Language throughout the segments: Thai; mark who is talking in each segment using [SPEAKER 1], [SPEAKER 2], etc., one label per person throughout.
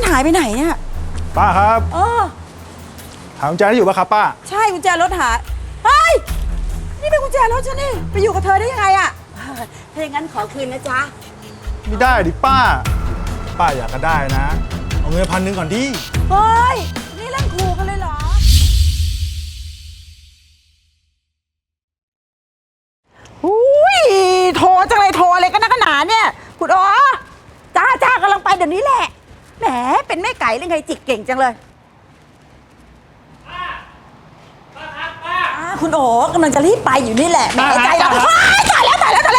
[SPEAKER 1] มันหายไปไหนเนี่ย
[SPEAKER 2] ป้าครับหากุญแจที่อยู่ป่ะครับป้า
[SPEAKER 1] ใช่กุญแจรถหายเฮ้ยนี่เป็นกุญแจรถฉันนี่ไปอยู่กับเธอได้ยังไงอะถ้าอย่างนั้นขอคืนนะจ๊ะ
[SPEAKER 2] ไม่ได้ดิป้าอยากก็ได้นะเอาเงิน1,000ก่อนดิ
[SPEAKER 1] เฮ้ยนี่เล่นขู่กันเลยเหรออุ้ยโทรจังเลยโทรอะไรกันนักหนาเนี่ยคุณอ๋อจ้ากำลังไปเดี๋ยวนี้แหละแหมเป็นแม่ไก่หรือไงจิกเก่งจังเลยคุณโอ๋กำลังจะรีบไปอยู่นี่แหละแหมใจเราตายแล้วกระ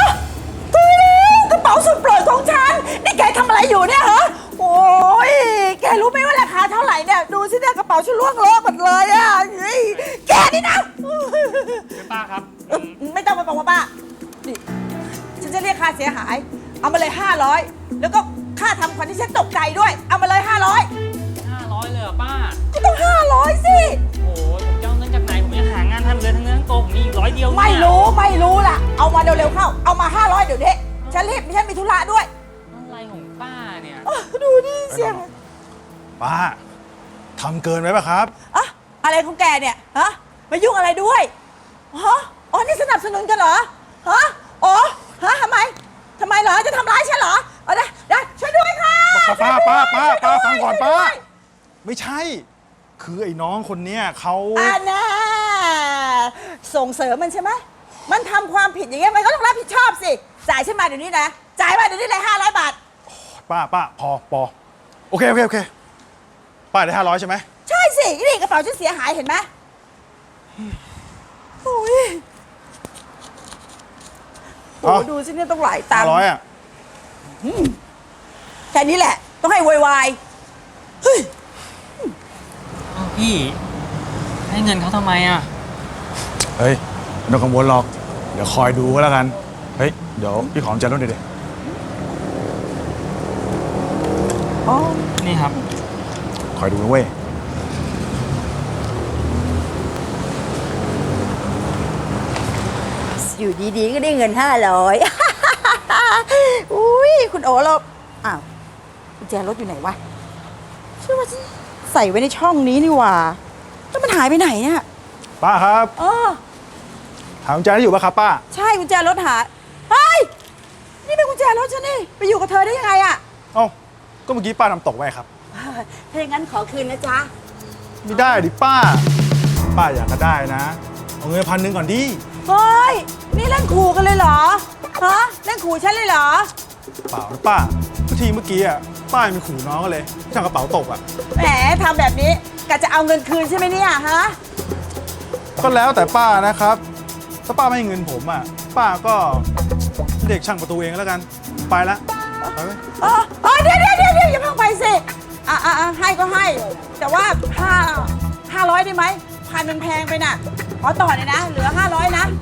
[SPEAKER 1] เป๋าสุดโปรดของฉันนี่แกทำอะไรอยู่เนี่ยฮะโอ้ยแกรู้ไหมว่าราคาเท่าไหร่เนี่ยดูสิเนี่ยกระเป๋าฉันล่วงโลกหมดเลยอ่ะแกนี่นะ
[SPEAKER 3] ป้าครับ
[SPEAKER 1] ไม่ต้องมาบอกว่าป้านี่ฉันจะเรียกค่าเสียหายเอามาเลย500แล้วก็ค่าทำขวัญที่ฉันตกใจด้วยเอามาเลย500
[SPEAKER 3] เลยเหรอป้า
[SPEAKER 1] ก็ต้อง500สิ
[SPEAKER 3] โอ้ยผมจะเอาเงินจากไหนผมยังหางานทำเลยทั้งเงินทั้งตัวผมมีอยู่100เดียว
[SPEAKER 1] ไม่รู้ล่ะเอามาเร็วๆเข้าเอามา500เดี๋ยวนี้ฉันรีบฉันมีธุระด้วย
[SPEAKER 3] อะไรของป้าเนี่ย
[SPEAKER 1] ดูดิเสียง
[SPEAKER 2] ป้าทำเกินไปป่ะครับ
[SPEAKER 1] อะไรของแกเนี่ยฮะมายุ่งอะไรด้วยฮะอ๋อนี่สนับสนุนกันเหรอฮะอ๋อฮะทำไมเหรอจะทำร้ายฉันเหรอได้ช่วยด้วยค่ะ
[SPEAKER 2] ป้าฟังก่อนป้าไม่ใช่คือไอ้น้องคนเนี้ยเขา
[SPEAKER 1] น่ะส่งเสริมมันใช่ไหมมันทำความผิดอย่างเงี้ยมันก็ต้องรับผิดชอบสิจ่ายฉันมาเดี๋ยวนี้นะจ่ายมาเดี๋ยวนี้เลย500 บาท
[SPEAKER 2] ป้าพอโอเคป้าได้500ใช่ไหม
[SPEAKER 1] ใช่สินี่กระเป๋าฉันเสียหายเห็นไหมโอ้ยดูสิเนี่ยต้องหลายตังค์
[SPEAKER 2] 500อ่ะ
[SPEAKER 1] แค่นี้แหละต้องให้วายเฮ้ย
[SPEAKER 3] พี่ให้เงินเขาทำไมอ่ะ
[SPEAKER 2] เฮ้ยไม่ต้องกังวลหรอกเดี๋ยวคอยดูก็แล้วกันเฮ้ยเดี๋ยวพี่ขอกุญแจรถหน่อยดิ
[SPEAKER 3] นี่ครับ
[SPEAKER 2] คอยดูนะเว้ย
[SPEAKER 1] อยู่ดีๆก็ได้เงิน500อุ้ยคุณโอ๋เราอ้าวกุญแจรถอยู่ไหนวะเชื่อว่าฉันใส่ไว้ในช่องนี้นี่หว่าแล้วมันหายไปไหนเนี่ย
[SPEAKER 2] ป้าครับหากุญแจที่อยู่ป่ะครับป้า
[SPEAKER 1] ใช่กุญแจรถหายเฮ้ยนี่เป็นกุญแจรถฉันนี่ไปอยู่กับเธอได้ยังไงอะ
[SPEAKER 2] ก็เมื่อกี้ป้าทำตกไว้ครับ
[SPEAKER 1] ถ้าอย่างนั้นขอคืนนะจ๊ะ
[SPEAKER 2] ไม่ได้ดิป้าอยากก็ได้นะเอาเงิน1,000ก่อนดิ
[SPEAKER 1] เฮ้ยนี่เล่นขู่กันเลยเหรอฮะเล่นขู่ฉันเลยเหรอ
[SPEAKER 2] เปล่านะป้าทีเมื่อกี้อ่ะป้ามีขู่น้องก็เลยที่ทำกระเป๋าตกอ่ะ
[SPEAKER 1] แหมทำแบบนี้กะจะเอาเงินคืนใช่ไหมเนี่ยฮะ
[SPEAKER 2] ก็แล้วแต่ป้านะครับถ้าป้าไม่ให้เงินผมอ่ะป้าก็เรียกช่างประตูเองแล้วกันไปละไปไหม
[SPEAKER 1] เดี๋ยวอย่าเพิ่งไปสิให้ก็ให้แต่ว่า500ได้ไหม1,000มันแพงไปน่ะขอต่อเลยนะเหลือ500นะ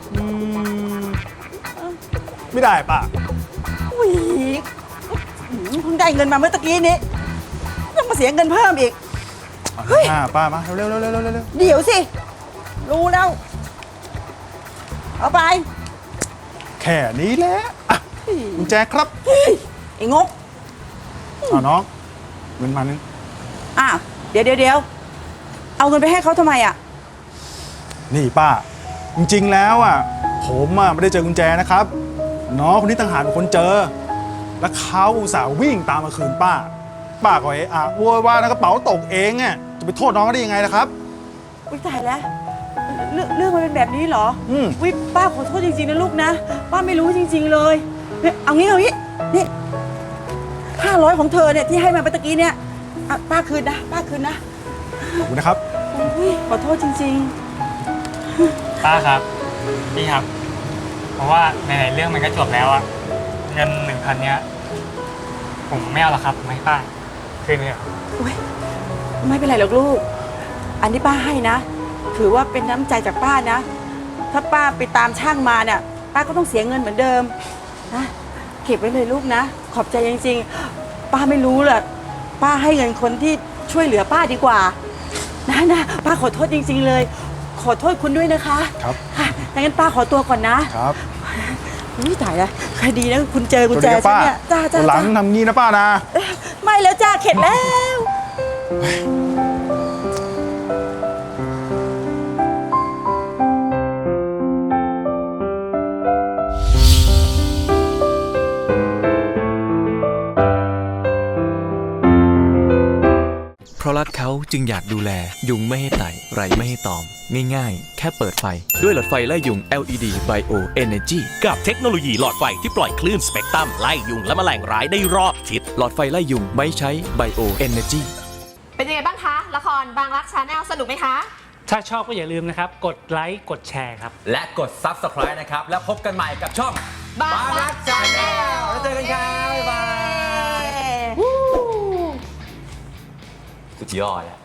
[SPEAKER 2] ไม่ได้ป้า
[SPEAKER 1] อุ้ยเพิ่งได้เงินมาเมื่อตะกี้นี้ต้องมาเสียเงินเพิ่มอีก
[SPEAKER 2] เฮ้ยป้ามาเร็ว
[SPEAKER 1] เดี๋ยวสิรู้แล้วเอาไป
[SPEAKER 2] แค่นี้แหละกุญแจครับ
[SPEAKER 1] ไอ้งก
[SPEAKER 2] น้องเงิน1,000
[SPEAKER 1] เดี๋ยวเอาเงินไปให้เขาทำไมอ่ะ
[SPEAKER 2] นี่ป้าจริงๆแล้วอ่ะผมไม่ได้เจอกุญแจนะครับน้องคนนี้ต่างหากเป็นคนเจอแล้วเขาอุตส่าห์วิ่งตามมาคืนป้าก็โวยวายนะกระเป๋าตกเองอ่ะจะไปโทษน้องได้ยังไงนะครับ
[SPEAKER 1] อุ้ยตายแล้วเรื่องมันเป็นแบบนี้เหรอวิป้าขอโทษจริงๆนะลูกนะป้าไม่รู้จริงๆเลยเอางี้นี่500ของเธอเนี่ยที่ให้มาเมื่อตะกี้เนี่ยป้าคืนนะ
[SPEAKER 2] ขอบคุณนะครับ
[SPEAKER 1] ขอโทษจริง
[SPEAKER 3] ๆป้าครับพี่ครับเพราะว่าในเรื่องมันก็จบแล้วอะเงิน1,000เนี้ยผมไม่เอาหรอกครับไม่ป้าคืนเลย
[SPEAKER 1] ไม่เป็นไรหรอกลูกอันที่ป้าให้นะถือว่าเป็นน้ำใจจากป้านะถ้าป้าไปตามช่างมาเนี่ยป้าก็ต้องเสียเงินเหมือนเดิมนะเก็บไว้เลยลูกนะขอบใจจริงๆป้าไม่รู้แหละป้าให้เงินคนที่ช่วยเหลือป้าดีกว่านะป้าขอโทษจริงๆเลยขอโทษคุณด้วยนะคะ
[SPEAKER 2] ครับ
[SPEAKER 1] ค่ะงั้นป้าขอตัวก่อนนะครับ
[SPEAKER 2] นี่
[SPEAKER 1] ตายแล้วคดีนะคุณเจอกุญแจฉันเนี่ย
[SPEAKER 2] จ้าหลังทำงี้นะป้านะ
[SPEAKER 1] ไม่ไม่แล้วจ้าเข็ดแล้ว
[SPEAKER 4] เพราะรักเขาจึงอยากดูแลยุงไม่ให้ไต่ไรไม่ให้ตอม ง่ายๆ แค่เปิดไฟด้วยหลอดไฟไล่ยุง LED Bio Energy
[SPEAKER 5] กับเทคโนโลยีหลอดไฟที่ปล่อยคลื่นสเปกตรัมไล่ยุงและแมลงร้ายได้รอบทิศ
[SPEAKER 4] หลอดไฟไล่ยุงไม่ใช้ Bio Energy
[SPEAKER 6] เป็นยังไงบ้างคะ ละครบางรักชาแนลสนุกไหมคะ
[SPEAKER 3] ถ้าชอบก็อย่าลืมนะครับ กดไลค์กดแชร์ครับ
[SPEAKER 7] และกด Subscribe นะครับ แล้วพบกันใหม่กับช่อง
[SPEAKER 6] บางรัก Channel
[SPEAKER 7] แล้วเจอกันครับ บ๊ายบาย สุดยอดอะ